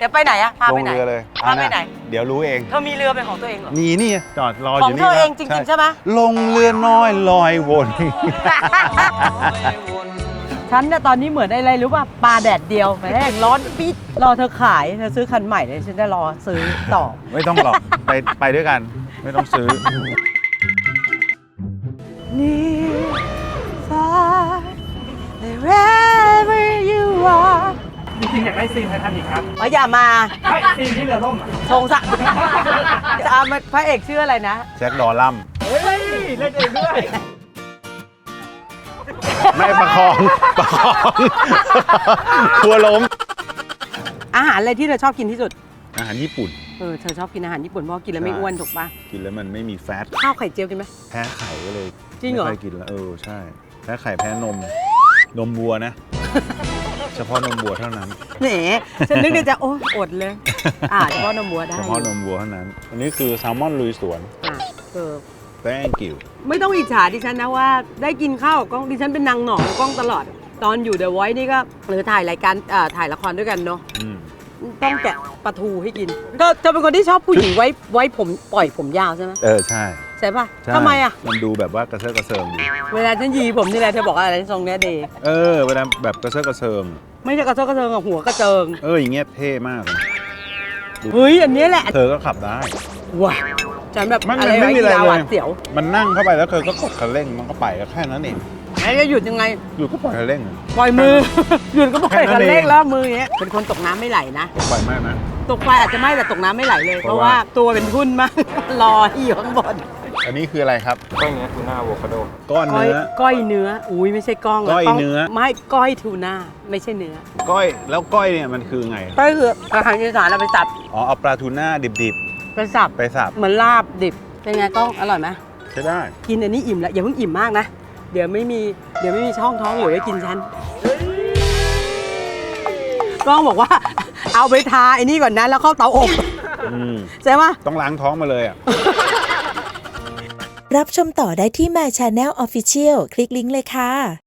จะไปไหนอะพาลไปงไหนเรือเลยพาไปไหนเดี๋ยวรู้เองเธอมีเรือเป็นของตัวเองเหรอนี่จอดรอขอองยู่เธนี่อเองจริงๆใช่ไหมลงเรือน้อยลอยวนฉันเนี่ยตอนนี้เหมือนอะไรรู้ป่ะปลาแดดเดียวแม่งร้อนปิดรอเธอขายเธอซื้อคันใหม่เลยฉันจะรอซื้อต่อไม่ต้องหรอกไปด้วยกันไม่ต้องซื้อนี่ฟ้า wherever you are จริงๆอยากได้ซีนไททานิคครับอย่ามาซีนที่เรือล่มทงศักดิ์พระเอกชื่ออะไรนะแจ็คดอลลัมเฮ้ยเล่นเองด้วยไม่ประคองกลัวล้มอาหารอะไรที่เธอชอบกินที่สุดอาหารญี่ปุ่นเธอชอบกินอาหารญี่ปุ่นเพราะกินแล้วไม่อ้วนถูกป่ะกินแล้วมันไม่มีแฟตข้าวไข่เจียวกินไหมแพ้ไข่ก็เลยจริงเหรอไม่ค่อยกินแล้วใช่แพ้ไข่แพ้นมวัวนะ เฉพาะนมวัวเท่านั้นแหมฉันนึกในใจโอ้อดเลยเฉพาะนมวัวได้เฉพาะนมวัวเท่านั้น อันนี้คือแซลมอนลุยสวน thank you ไม่ต้องอิจฉาดิฉันนะว่าได้กินข้าวกับกล้องดิฉันเป็นนางหนองกล้องตลอด ตอนอยู่ The Voice นี่ก็หรือถ่ายรายการถ่ายละครด้วยกันเนาะอืมต้องแกะปลาทูให้กิน ก็เธอเป็นคนที่ชอบผู้หญิงไว้ผมปล่อยผมยาวใช่ไหมใช่ใช่ป่ะใช่ทำไมอ่ะมันดูแบบว่ากระเซาะกระเซิงดีเวลาฉันยีผมนี่แหละเธอบอกอะไรทรงเนี้ยเดย์เวลาแบบกระเซาะกระเซิงไม่ใช่กระเซาะกระเซิงกับหัวกระเจิงอย่างเงี้ยเท่มากเลยเฮ้ยอันนี้แหละเธอก็ขับได้ว้าฉันแบบมันอะไรไม่มีอะไรยาวเลยหวาดเสียวมันนั่งเข้าไปแล้วเธอก็กดคันเร่งมันก็ไปก็แค่นั้นเองแล้วจะหยุดยังไงอยู่ก็ปล่อยคันเร่งปล่อยมือ หยุดก็ปล่อยแค่นั้คันนเองเร่งแล้วมืออย่างเงี้ยเป็นคนตกน้ำไม่ไหลนะปล่อยมากนะตกไฟอาจจะไม่แต่ตกน้ำไม่ไหลเลย เพเพราะราะว่าว่าตัวเป็นทุ่นมาก รออยู่ข้างบนอันนี้คืออะไรครับก้อยเนื้อทูน่าอะโวคาโดก้อนก้อยเนื้อก้อยเนื้ออุ้ยไม่ใช่ก้องะก้อยต้งเนื้อไม่ก้อยทูน่าไม่ใช่เนื้อก้อยแล้วก้อยเนี่ยมันคือไงก้อยคืออาหารอีสานเราไปสับเอาปลาทูน่าดิบไปสับๆ ไปสับเหมือนลาบดิบเป็นไงก้องอร่อยไหมใช้ได้กินอันนี้อิ่มแล้วอย่าเพิ่งอิ่มมากนะเดี๋ยวไม่มีช่องท้องเหลือไว้กินฉันก้องบอกว่า เอาไปทาไอ้นี่ก่อนนะแล้วเข้าเตาอบ ใช่ไหมต้องล้างท้องมาเลยอ่ะรับชมต่อได้ที่ My Channel Official คลิกลิงก์เลยค่ะ